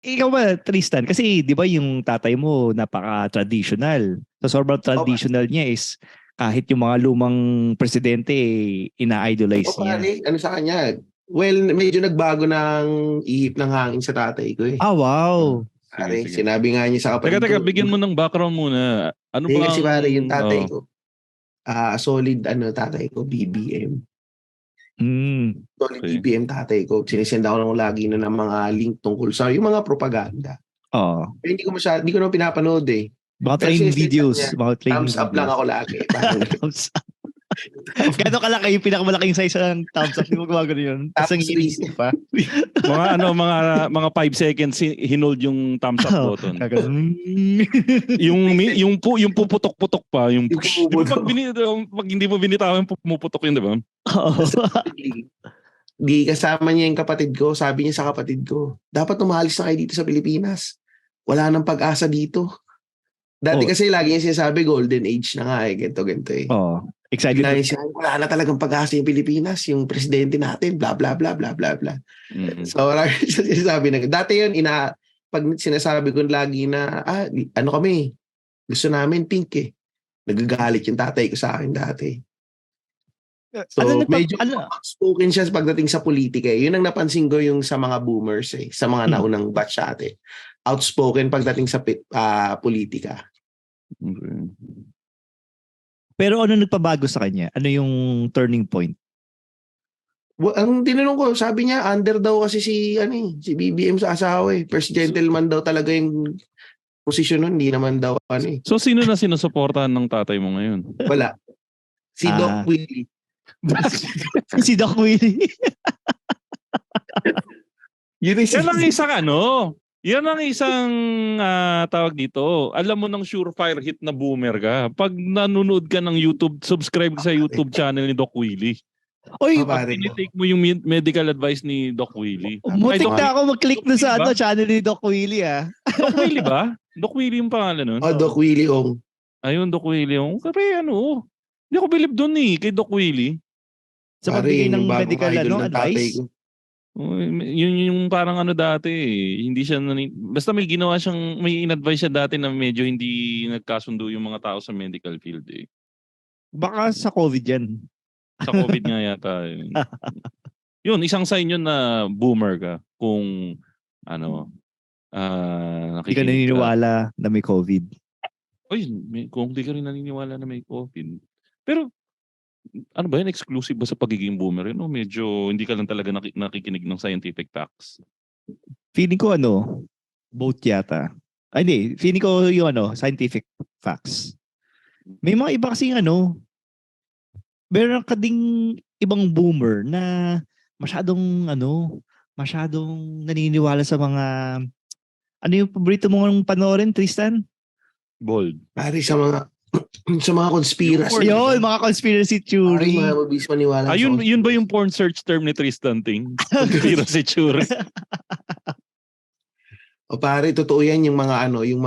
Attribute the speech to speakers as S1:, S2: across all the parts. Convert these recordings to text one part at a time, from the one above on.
S1: ikaw ba, Tristan? Kasi di ba yung tatay mo napaka-traditional. So sobrang
S2: O,
S1: traditional niya is kahit yung mga lumang presidente ina-idolize niya.
S2: pare, ano sa kanya? Well, medyo nagbago ng ihip ng hangin sa tatay ko eh.
S1: Ah,
S3: Ah,
S1: wow.
S3: sige,
S2: Pare,
S3: sige.
S2: sinabi nga niya sa kapatid
S3: Teka,
S2: ko,
S3: bigyan mo ng background muna. Ano
S2: hindi kasi
S3: bang,
S2: pare, yung tatay
S3: oh,
S2: ko, solid tatay ko, BBM.
S1: Mm.
S2: Solid
S3: okay.
S2: BBM tatay ko. Sinisend ako lang lagi na ng mga link tungkol sa yung mga propaganda.
S1: Oh.
S2: Pero hindi ko naman pinapanood eh.
S1: Mga
S2: Pero
S1: training
S2: sinisend
S1: videos.
S2: niya,
S1: Mga training
S2: thumbs up lang
S1: videos.
S2: ako lagi. Parang,
S1: Thumbs up. Gano'n kalaki yung pinakamalaking size ng thumbs up. Di mo gumagano yun. Tapos ang
S2: tapos
S1: inis pa.
S3: mga 5 seconds hinold yung thumbs up button.
S1: Gaganon.
S3: Yung puputok-putok pa, yung
S2: yung
S3: di ba
S2: pumuputok.
S3: pag hindi mo binitawan pumuputok yun, di ba?
S1: Oo.
S2: Di kasama niya yung kapatid ko. Sabi niya sa kapatid ko, dapat umalis na kayo dito sa Pilipinas. Wala nang pag-asa dito. Dati
S1: Oh.
S2: kasi lagi niya sinasabi, golden age na nga eh. Ganito eh.
S1: Oh. Excited.
S2: Bigla niya sinabi, wala na talagang pag-asa yung Pilipinas. Yung presidente natin, bla bla bla bla bla bla.
S3: Mhm.
S2: So, marami siya sinasabi na, dati yun, pag sinasabi ko lagi na, ano kami, gusto namin pink eh. Nagagalit yung tatay ko sa akin dati. So, medyo outspoken siya pagdating sa politika eh. Yun ang napansin ko yung sa mga boomers eh, sa mga naunang batch ate. Outspoken pagdating sa politika.
S3: Okay.
S1: Pero ano nagpabago sa kanya? Ano yung turning point?
S2: Ang tinanong ko, sabi niya, under daw kasi si BBM sa asawa eh. First gentleman daw talaga yung posisyon nun, hindi naman daw eh.
S3: So sino na sinusuportahan ng tatay mo ngayon?
S2: Wala. Si Doc Willie.
S1: Si Doc Willie.
S3: Yan ang isang tawag dito. Alam mo ng surefire hit na boomer ka. Pag nanonood ka ng YouTube, subscribe ka sa YouTube channel ni Doc Willie.
S1: Oy,
S3: pag tinitake mo yung medical advice ni Doc Willie.
S1: Mutik na ako mag-click na sa channel ni Doc Willie
S3: Doc Willie ba? Doc Willie yung pangalan nun?
S2: Doc Willie Ong.
S3: Ayun, Doc Willie Ong. Kasi hindi ako believe doon kay Doc Willie.
S1: Sa pagbigay ng medical advice?
S3: Yun yung parang dati hindi siya basta may ginawa siyang may in-advise siya dati na medyo hindi nagkasundo yung mga tao sa medical field eh.
S1: Baka sa COVID yan.
S3: Sa COVID nga yata. Yun, isang sign yun na boomer ka kung
S1: hindi ka naniniwala na may COVID.
S3: Oy, kung hindi ka rin naniniwala na may COVID. Pero ano ba yan? Exclusive ba sa pagiging boomer? Medyo hindi ka lang talaga nakikinig ng scientific facts.
S1: Feeling ko both yata. Ay hindi, feeling ko yung scientific facts. May mga iba kasing meron ka ding ibang boomer na masyadong naniniwala sa mga yung paborito mong panoorin, Tristan?
S3: Bold.
S2: Pari sa mga conspiracy.
S1: Yun, mga conspiracy theory.
S2: Mga mabis maniwala.
S3: Yun ba yung porn search term ni Tristan Ting? Conspiracy theory.
S2: O pare, totoo yan yung mga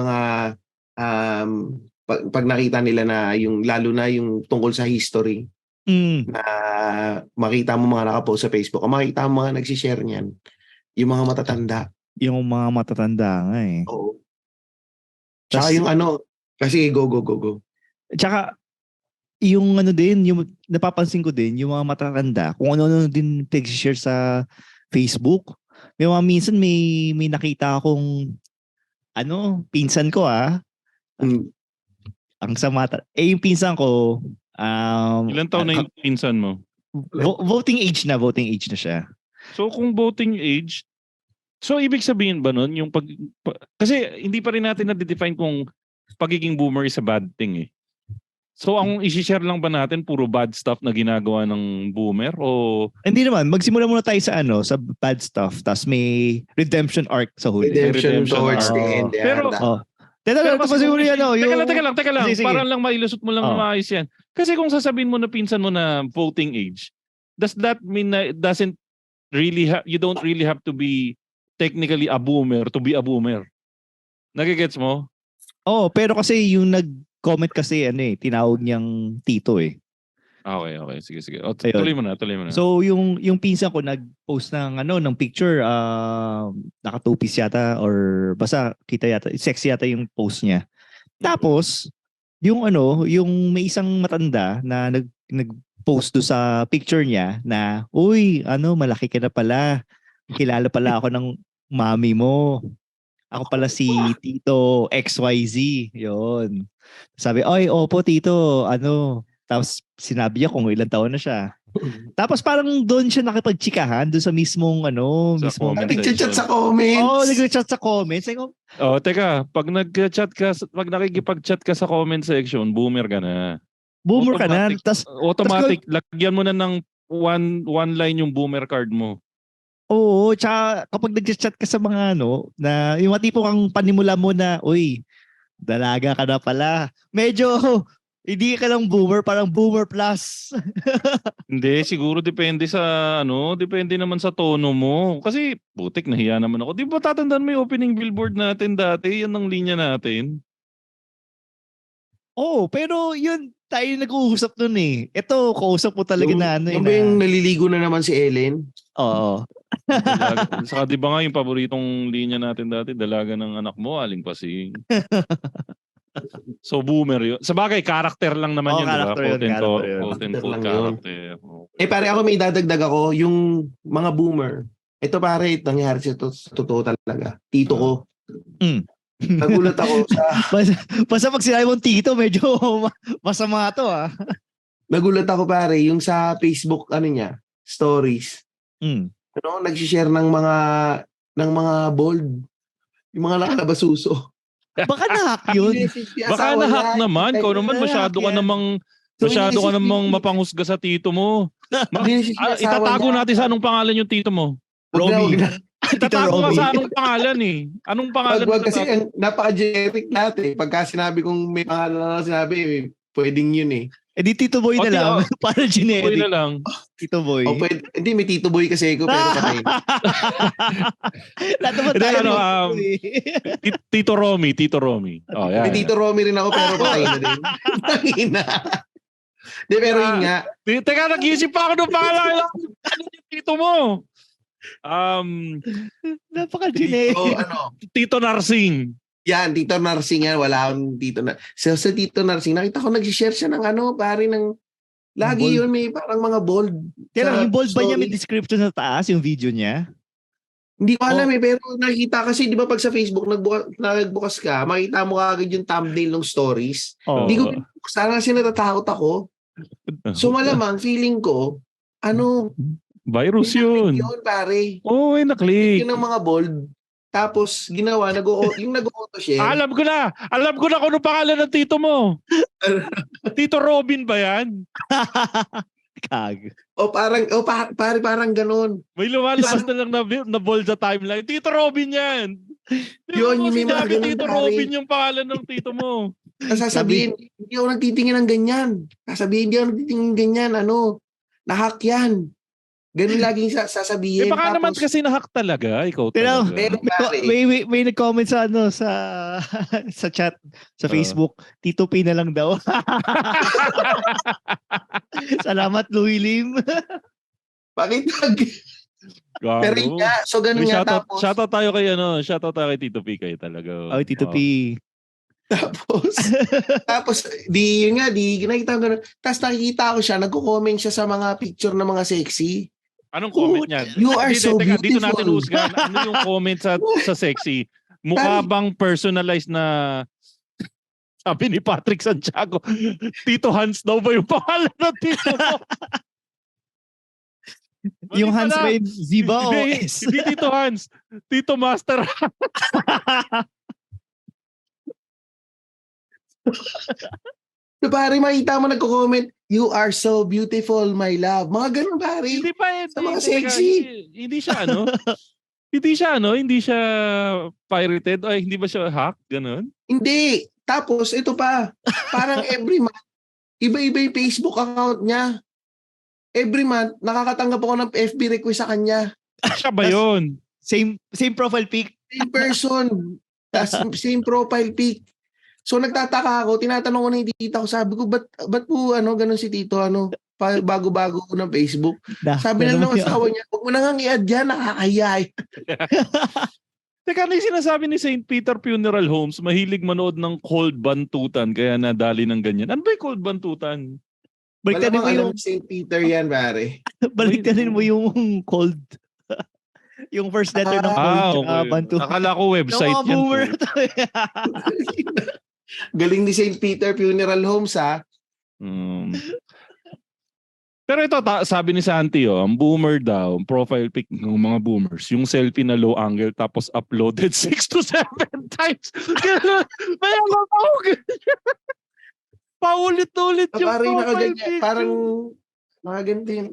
S2: pag nakita nila na lalo na yung tungkol sa history na makita mo mga nakapost sa Facebook o makita mo mga nagsishare niyan, yung mga matatanda.
S1: Yung mga matatanda nga eh.
S2: Oo. Tsaka yung kasi go.
S1: Tsaka yung din, yung napapansin ko din, yung mga matatanda, kung ano din nag-share sa Facebook. May mga minsan may nakita akong pinsan ko ang sama. Yung pinsan ko
S3: ilan taon na yung pinsan mo?
S1: Voting age na siya.
S3: So kung voting age, so ibig sabihin ba nun yung kasi hindi pa rin natin na-define kung pagiging boomer is a bad thing eh. So ang i-share lang ba natin puro bad stuff na ginagawa ng boomer o
S1: hindi naman, magsimula muna tayo sa bad stuff tapos may redemption arc sa huli.
S2: Redemption towards the end.
S3: Pero
S1: Teka lang.
S3: Sige. Parang lang mailusot mo lang na maayos yan. Kasi kung sasabihin mo na pinsan mo na voting age, does that mean na you don't really have to be technically a boomer to be a boomer? Nagigets mo?
S1: Pero kasi yung nag-comment kasi tinawag niyang tito eh.
S3: Okay. Sige. O,
S1: Ayun.
S3: tuloy mo na.
S1: So yung pinsan ko nag-post ng picture, nakatupis yata or basta kita yata, sexy yata yung post niya. Tapos yung may isang matanda na nag-post do sa picture niya na, uy, malaki ka na pala. Kilala pala ako ng mami mo. Ako pala si Tito XYZ. Yun. Sabi, oy, opo Tito, Tapos sinabi niya kung ilang taon na siya. Tapos parang doon siya nakipagtsikahan doon sa mismong
S3: Sa
S1: mismong
S3: comment
S2: Nag-chat sa
S1: Oh,
S2: comments.
S1: nag-chat sa comments. Like,
S3: Oh, teka, pag nakikipag-chat ka sa comment section, boomer ka na.
S1: boomer ka na.
S3: Automatic, lagyan mo na ng one line yung boomer card mo.
S1: Oo, tsaka kapag nag-chat ka sa mga na yung tipo kang panimula mo na, uy, dalaga ka na pala. Medyo, hindi ka lang boomer, parang boomer plus.
S3: Hindi, siguro depende depende naman sa tono mo. Kasi, putik, nahiya naman ako. Di ba tatandaan mo yung opening billboard natin dati? Yan ang linya natin.
S1: Oo, pero yun, tayo nag-uusap nun eh. Ito, kausap mo talaga na
S2: Yung ba yung naliligo na naman si Ellen?
S1: Oo.
S3: Saka di ba nga yung paboritong linya natin dati, dalaga ng anak mo, aling pasing. So boomer yun. Sa bagay, character lang naman yun, di ba?
S1: Character yun.
S3: Quote and quote character.
S2: Pare, ako may dadagdag ako, yung mga boomer. Ito pare, nangyari sa totoo talaga. Tito ko. Nagulat ako sa...
S1: Basta pag sinabi mong tito, medyo masama to ah.
S2: Nagulat ako pare, yung sa Facebook, niya, stories. Nag-share ng mga bold. Yung mga nakalabasuso.
S1: Baka na-hack yun.
S3: Baka na-hack naman. Ikaw naman masyado ka namang mapanghusga sa tito mo. Itatago natin sa anong pangalan yung tito mo?
S1: Romy.
S3: Itatago ka sa anong pangalan eh. Anong pangalan?
S2: Wag kasi napaka-generic natin. Pagka sinabi kong may pangalan na sinabi, pwedeng yun eh.
S1: Eh di Tito Boy na lang. Para generic.
S3: Tito Boy na lang.
S1: Tito Boy.
S2: Hindi, may Tito Boy kasi ako, pero patay na.
S1: Lahat naman tayo.
S3: Tito Romy. Oh, yan.
S2: May Tito Romy rin ako, pero patay na din. Tangina. Di, pero yun nga.
S3: Teka, nag-iisip pa ako ng pangalan. Ano yung tito mo?
S1: Napaka-generic.
S3: Tito Narsing.
S2: Yan, Tito Narsing yan. Wala akong Tito na. Sa Tito Narsing, nakita ko nag-share siya ng pare ng... Lagi
S1: bold.
S2: yun, may parang mga bold.
S1: Kaya yung bold ba niya may
S2: story.
S1: description sa taas, yung video niya?
S2: Hindi ko alam pero nakita kasi, di ba pag sa Facebook, nagbukas ka, makita mo agad yung thumbnail ng stories.
S1: Oh.
S2: Hindi ko sana kasi natatakot ako. So malamang, feeling ko,
S3: virus yun.
S2: Yun, pare.
S3: Oo, na-click.
S2: Yun ang mga bold. Tapos, ginawa, yung nag-auto share.
S3: Alam ko na kung ano pangalan ng tito mo. Tito Robin ba yan?
S1: Kag.
S2: Parang ganun.
S3: May lumalabas na lang na bold sa timeline. Tito Robin yan.
S2: Yun, yung may mga ganun,
S3: Tito
S2: pare.
S3: Robin yung pangalan ng tito mo.
S2: Sasabihin, hindi ako nagtitingin ng ganyan. Sasabihin, hindi ako nagtitingin ng ganyan. Nahack yan. Ganun laging sasabihin.
S3: Baka naman kasi nahack talaga. Ikaw talaga.
S2: Pero pare,
S1: May nag-comment sa sa chat sa Facebook, Tito P na lang daw. Salamat Louie Lim.
S2: pakitag. Pero yun nga, so ganun nga.
S3: Shoutout tayo kay Tito P kayo talaga.
S1: Oh, Tito P.
S2: Tapos di nakita ko ganun. Tapos nakikita ko siya, nagko-comment siya sa mga picture ng mga sexy.
S3: Anong comment niya?
S2: You are so beautiful.
S3: Dito natin husgan. Ano yung comment sa sexy? Mukha bang personalized na sabi ni Patrick Santiago, Tito Hans daw ba yung pangalan ng tito mo?
S1: Yung Hans ba yung Ziba o S?
S3: Hindi Tito Hans. Tito Master.
S2: So pare, makita mo nagko-comment, you are so beautiful, my love. Mga ganun pare.
S3: Hindi pa
S2: Sa mga sexy.
S3: Hindi siya pirated o hindi ba siya hack ganun?
S2: Hindi. Tapos ito pa, parang every month, iba-iba yung Facebook account niya. Every month, nakakatanggap ako ng FB request sa kanya.
S3: Siya ba yun?
S1: Same profile pic.
S2: Same person. Same profile pic. So nagtataka ako, tinatanong ko na yung tita ko, sabi ko, ba't po ganun si tito, bago-bago ko ng Facebook. Sabi na
S1: naman
S2: ng asawa niya, huwag mo na nga i-add yan, nakakahiya.
S3: Teka, ano yung sinasabi ni St. Peter Funeral Homes, mahilig manood ng cold bantutan kaya nadali ng ganyan. Ano ba yung cold bantutan?
S2: Malamang
S1: Baliktarin mo
S2: alam
S1: yung
S2: ni St. Peter yan, pare.
S1: baliktarin mo yung cold. Yung first letter ng cold tsaka bantu.
S3: Akala ko
S1: Yung
S3: website
S1: mga
S3: yan.
S1: boomer
S3: po.
S1: to.
S2: Galing ni St. Peter Funeral Homes, ha?
S3: Hmm. Pero ito, sabi ni Santi, ang boomer daw, ang profile pic ng mga boomers, yung selfie na low angle tapos uploaded 6 to 7 times. Kaya paulit-ulit yung
S2: Parang
S3: profile
S2: nakaganyan,
S3: picture.
S2: parang nakaganto yun.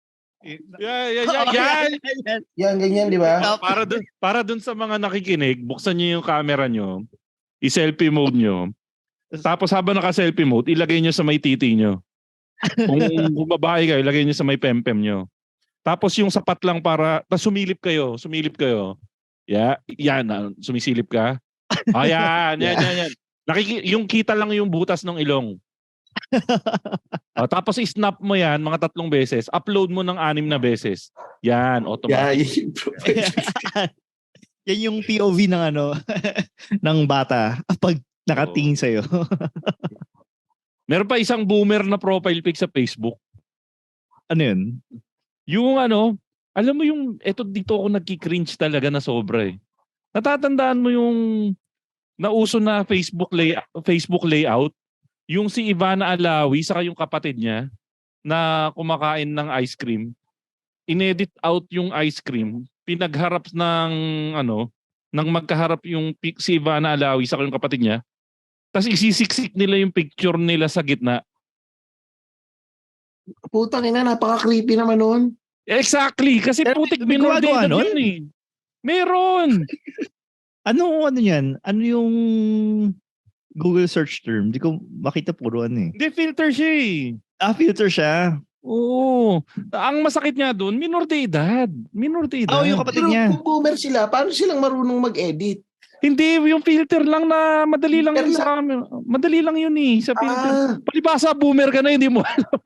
S3: Yan.
S2: Yan, ganyan, di ba?
S3: Para dun sa mga nakikinig, buksan niyo yung camera nyo, i-selfie mode nyo, tapos habang naka-selfie mode, ilagay nyo sa may titi nyo. Kung babae kayo, ilagay nyo sa may pempem nyo. Tapos yung sapat lang tapos sumilip kayo. Yan, sumisilip ka. Yan. Yung kita lang yung butas ng ilong. Tapos i-snap mo yan mga 3 beses, upload mo ng 6 na beses. Yan, automatic.
S1: Yan yung POV ng ng bata pag nakatingin sa'yo.
S3: Meron pa isang boomer na profile pic sa Facebook.
S1: Ano yun?
S3: Yung alam mo yung, dito ako nagki-cringe talaga na sobra eh. Natatandaan mo yung nauso na Facebook layout? Yung si Ivana Alawi saka yung kapatid niya na kumakain ng ice cream. Inedit out yung ice cream. Pinagharap ng magkaharap yung si Ivana Alawi saka yung kapatid niya. Tapos isisiksik nila yung picture nila sa gitna.
S2: Putang ina, napaka-creepy naman nun.
S3: Exactly. Kasi
S1: Pero
S3: putik
S1: may gumagawa
S3: minor
S1: nun?
S3: yun eh. Meron.
S1: Ano yan? Ano yung Google search term? Di ko makita puro eh.
S3: Hindi, filter siya eh.
S1: Filter siya.
S3: Oo. Ang masakit niya doon, minor de edad. Minor de edad.
S1: Yung kapatid
S2: Pero
S1: niya.
S2: kung boomer sila, paano silang marunong mag-edit?
S3: Hindi, yung filter lang na madali lang
S2: Filter
S3: yun sa camera. Madali lang yun eh, sa filter.
S2: Ah,
S3: Palibasa, boomer ka na, hindi mo alam.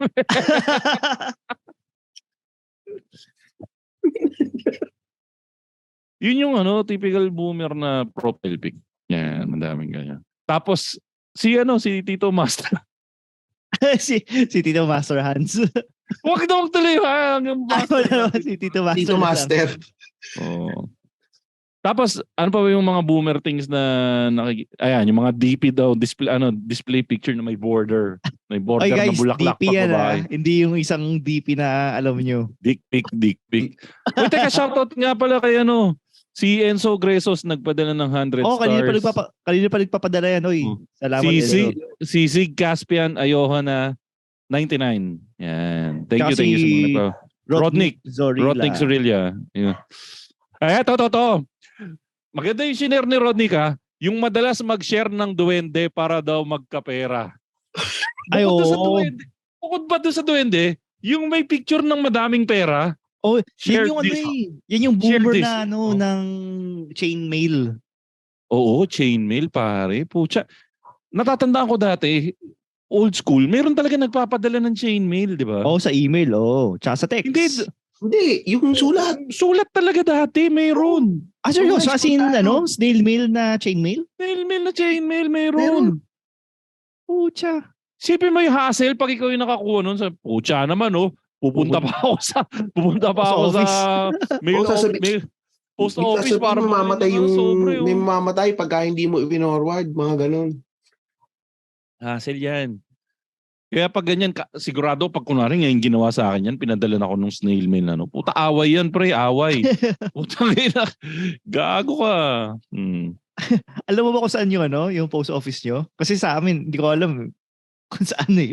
S3: Yun yung typical boomer na profile pic. Yan, madaming ganyan. Tapos, si Tito Master.
S1: si Tito Master Hans.
S3: Huwag tuloy ha.
S1: Si Tito Master.
S2: Tito Master.
S3: Oo. Tapos, ano pa ba yung mga boomer things na ayan, yung mga DP daw, display picture na may border. May border
S1: Guys,
S3: na bulaklak
S1: DP
S3: pa
S1: yan
S3: babae.
S1: Hindi yung isang DP na alam nyo.
S3: Dick pic. Uy, teka, shoutout nga pala kay si Enzo Gresos nagpadala ng 100 stars.
S1: Kanina pa nagpapadala yan. Oy. Salamat.
S3: Si Sig Caspian Ayohana 99. Yan. Thank
S1: Tsaka
S3: you sa mga ito. Rodnick Zorilla. Yeah. Ay, to. Maganda yung share ni Rodnick ha. Yung madalas mag-share ng duwende para daw magkapera. Bukod ba doon sa duwende, yung may picture ng madaming pera.
S1: Yan yung boomer na ng chainmail.
S3: Oo, chainmail pare. Pucha. Natatandaan ko dati, old school, meron talaga nagpapadala ng chainmail, di ba?
S1: Sa email, tsaka sa text.
S2: Hindi, yung sulat.
S3: Sulat talaga dati, meron.
S1: Seryoso? As in, snail mail na chainmail?
S3: Snail mail na chainmail, meron.
S1: Pucha.
S3: Sipin mo yung hassle pag ikaw yung nakakuha nun sa pucha naman, pupunta pa ako sa mail post office para
S2: may mamamatay pagka hindi mo i-forward, mga ganun.
S3: Hassle yan. Kaya pag ganyan, sigurado pag kunwari ngayon ginawa sa akin yan, pinadala na ako ng snail mail na puta, away yan pre, away. Puta na, gago ka.
S1: Alam mo ba kung saan yung post office nyo? Kasi sa amin, hindi ko alam kung saan eh.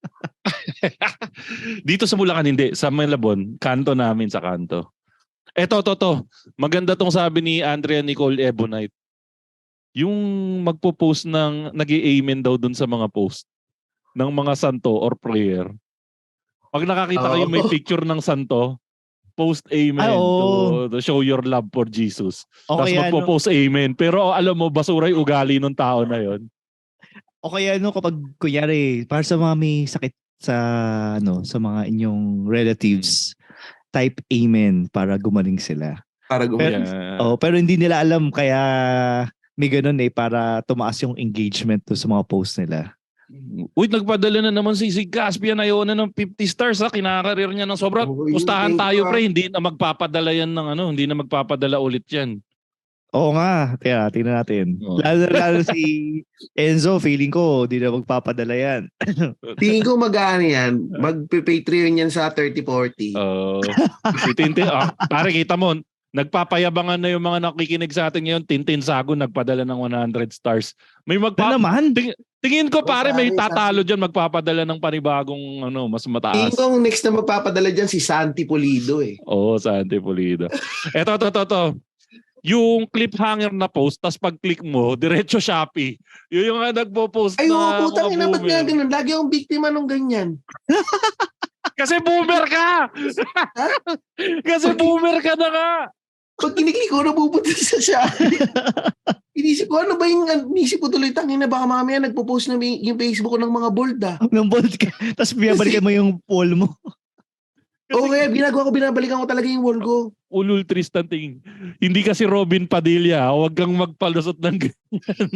S3: Dito sa Bulacan hindi, sa Malabon, kanto namin sa kanto. Eto, maganda tong sabi ni Andrea Nicole Ebonite. Yung magpo-post nag-i-amen daw dun sa mga post ng mga santo or prayer. Pag nakakita kayo may picture ng santo, post amen to show your love for Jesus. Tapos magpo-post amen. Pero alam mo, basura yung ugali ng tao na yon.
S1: O kaya kapag kunyari, para sa mga may sakit sa sa mga inyong relatives, type amen para gumaling sila.
S2: Para
S1: Pero,
S3: Yeah.
S1: pero hindi nila alam kaya may ganun para tumaas yung engagement to sa mga post nila.
S3: Uy, nagpadala na naman si Caspian ayaw na ng 50 stars ha. Kinakarir niya ng sobra.
S2: Oo,
S3: Pustahan
S2: thank
S3: tayo
S2: you,
S3: pre. Hindi na magpapadala yan ng hindi na magpapadala ulit yan.
S1: Oo nga, tingnan natin.
S3: Oo.
S1: Lalo si Enzo, feeling ko hindi na magpapadala yan.
S2: Tingin ko mag-ano yan, mag-Patreon yan sa 30-40.
S3: Si Tintin, pare kita mo, nagpapayabangan na yung mga nakikinig sa atin ngayon. Tintin Sago nagpadala ng 100 stars. May
S1: Na naman?
S3: Tingin ko pare may
S2: Sabi.
S3: tatalo diyan magpapadala ng panibagong mas
S2: Tingin
S3: mataas.
S2: ko ang next na magpapadala dyan si Santi Pulido eh.
S3: Oo, Santi Pulido. Eto. Yung cliffhanger na post, tas pag-click mo, diretso Shopee. Yun yung nagpo-post
S2: Ay,
S3: na
S2: oo, putang ina, ba't nga
S3: boomer.
S2: ganun? Lagi akong biktima nung ganyan.
S3: Kasi boomer ka! Kasi boomer ka na nga!
S2: Pag kiniklik ko, napupunta sa Shopee. Inisip ko, ano ba yung, inisip ko tuloy, tangina, baka mamaya nagpo-post na yung Facebook ko ng mga bold
S1: Nung bold ka, tapos binabalikan mo yung poll mo.
S2: Oo, kaya binabalikan ko talaga yung wall ko.
S3: Ulul Tristan ting. Hindi kasi Robin Padilla, huwag kang magpalusot ng ganyan.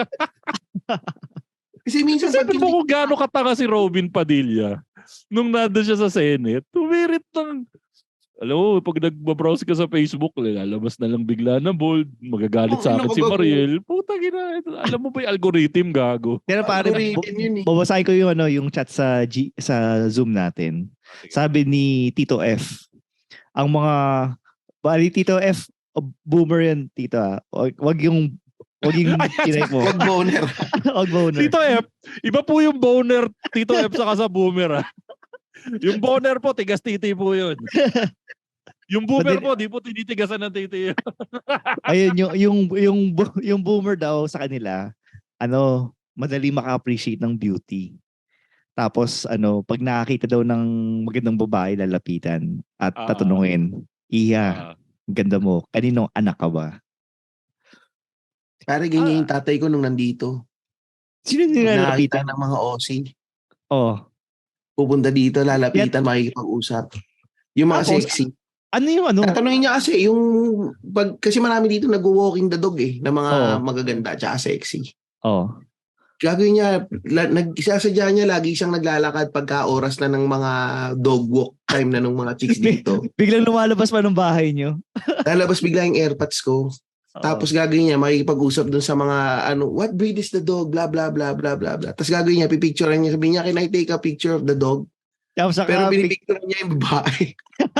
S2: Kasi minsan
S3: Kasi
S2: pag
S3: mo kung gaano katanga si Robin Padilla nung nandun siya sa Senate, tumirit ng alam mo, pag nagbabrowse ka sa Facebook, lalabas na lang bigla na bold, magagalit sa akin si Mariel. Puta gina, alam mo ba yung algorithm gago?
S1: Pero pare,
S2: Algorithm yun eh.
S1: babasahin ko yung chat sa Zoom natin. Sabi ni Tito F, ang mga Tito F, boomer yan, Tito. Wag yung kinay mo.
S2: Wag boner.
S1: Wag boner.
S3: Tito F, iba po yung boner Tito F saka sa boomer. Yung boner po, tigas titi po yun. Yung boomer po, di po tinitigasan ng titi.
S1: Ayun, yung boomer daw sa kanila, madali maka-appreciate ng beauty. Tapos, pag nakakita daw ng magandang babae, lalapitan at tatanungin, Iya, ganda mo, kaninong anak ka ba?
S2: Pare, ganyan yung tatay ko nung nandito.
S1: Sino nilalapitan?
S2: Nakakita ng mga OC.
S1: Oh.
S2: Pupunta dito, lalapitan, makikipag-usap. Yung mga
S1: Tapos,
S2: sexy.
S1: Ano yung
S2: Tatanungin niya kasi, kasi marami dito nag-walking the dog na mga magaganda tsaka sexy.
S1: Oh.
S2: Gagawin niya, nagsasadya niya, lagi siyang naglalakad pagka oras na ng mga dog walk time na ng mga chicks dito.
S1: Biglang lumalabas pa ng bahay niyo.
S2: Lalabas bigla yung airpods ko. Tapos gagawin niya, makikipag-usap dun sa mga, what breed is the dog, blah, blah, blah, blah, blah, blah. Tapos gagawin niya, pipicturean niya, sabihin niya, can I take a picture of the dog? Pero pinipicturean niya yung babae.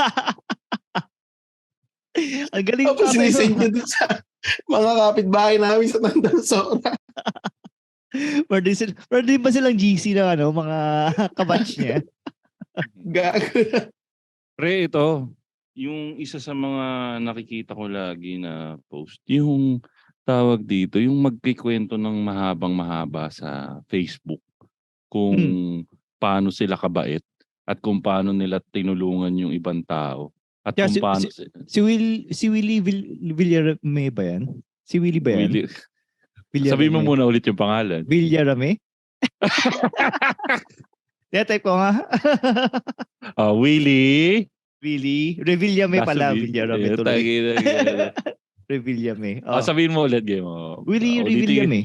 S1: Ang galing.
S2: Tapos isend niya dun sa mga kapitbahay namin sa Tandang Sora.
S1: Pwede ba silang GC na mga kabatch niya?
S2: Gago.
S3: Pre, ito, yung isa sa mga nakikita ko lagi na post, yung tawag dito, yung magkikwento ng mahabang-mahaba sa Facebook kung paano sila kabait at kung paano nila tinulungan yung ibang tao. At kung paano
S1: si Willie Villarame ba yan? Si Willie ba yan?
S3: Sabihin mo muna ulit yung pangalan.
S1: Villarame? Type ko nga.
S3: Willie
S1: Revillame pala. Villarame tuloy. Revillame.
S3: Sabihin mo ulit game.
S1: Willie Revillame.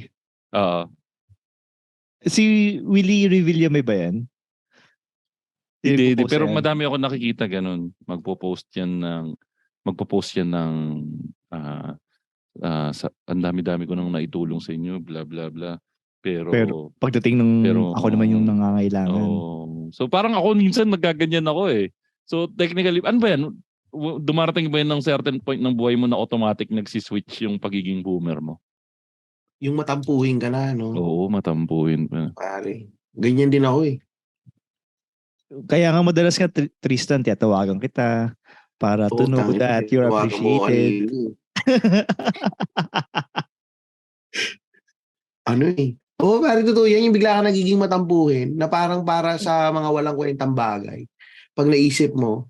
S1: Si Willie Revillame ba yan?
S3: Hindi, pero madami ako nakikita ganun. Magpo-post yan ng ang dami-dami ko nang naitulong sa inyo, bla bla bla. Pero
S1: pagdating ako naman yung nangangailangan.
S3: So parang ako minsan nagaganyan ako eh. So technically, ano ba yan? Dumarating ba yan ng certain point ng buhay mo na automatic nagsiswitch yung pagiging boomer mo?
S2: Yung matampuhin ka na, no?
S3: Oo, matampuhin pa.
S2: Pare, ganyan din ako eh.
S1: Kaya nga madalas nga Tristan, tiyatawagan kita para to know that you're appreciated.
S2: Pare, totoo yan. Yung bigla ka nagiging matampuhin na parang para sa mga walang kwentang bagay. Pag naisip mo,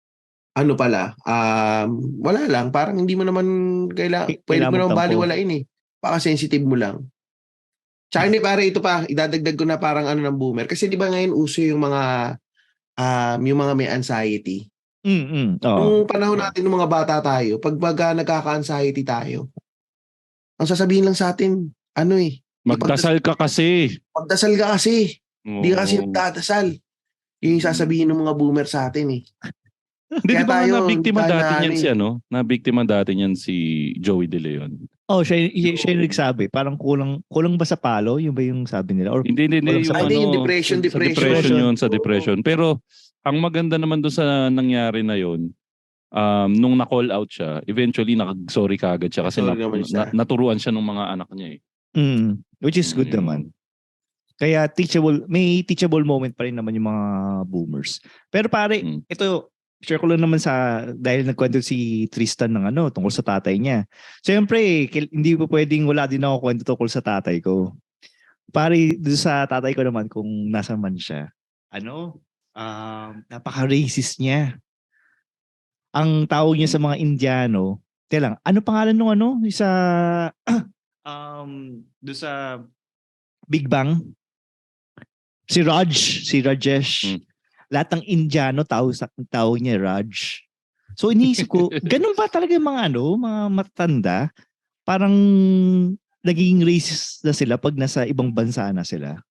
S2: wala lang. Parang hindi mo naman pwede mo naman baliwalain eh. Baka sensitive mo lang. Tsaka hindi pare, ito pa, idadagdag ko na parang ano ng boomer. Kasi di ba ngayon uso yung mga may anxiety.
S1: Oo.
S2: Nung panahon natin ng mga bata tayo, pag baga nagkaka-anxiety tayo, ang sasabihin lang sa atin,
S3: Magdasal ka kasi.
S2: Magdasal ka kasi. Hindi ka kasi
S3: Oo.
S2: nagdadasal. Yun yung sasabihin ng mga boomer sa atin eh.
S3: Hindi,
S2: Kaya
S3: di ba
S2: tayo,
S3: nabiktima
S2: hindi tayo
S3: dati niyan
S2: na-
S3: si nabiktima dati niyan si Joey De Leon.
S1: Oh, siya yung nagsabi. Parang kulang ba sa palo? Yung ba yung sabi nila? Or
S3: Hindi,
S1: kulang sa
S2: Hindi, yung depression.
S3: Sa depression yun, sa depression. Pero, ang maganda naman doon sa nangyari na yun, nung na-call out siya, eventually nag-sorry kagad siya kasi
S2: Sorry naman siya.
S3: naturuan siya ng mga anak niya eh.
S1: which is good naman. Kaya may teachable moment pa rin naman yung mga boomers. Pero pare, ito, share ko lang naman dahil nagkwento si Tristan ng tungkol sa tatay niya. Siyempre, hindi po pwedeng wala din ako kwento tungkol sa tatay ko. Pare, doon sa tatay ko naman, kung nasa man siya, napaka-racist niya. Ang tawag niya sa mga Indiano, ano pangalan nung sa doon sa Big Bang? Si Rajesh. Lahat ng Indiano tawag niya Raj. So iniisip ko, ganun ba talaga yung mga mga matatanda? Parang naging racist na sila pag nasa ibang bansa na sila.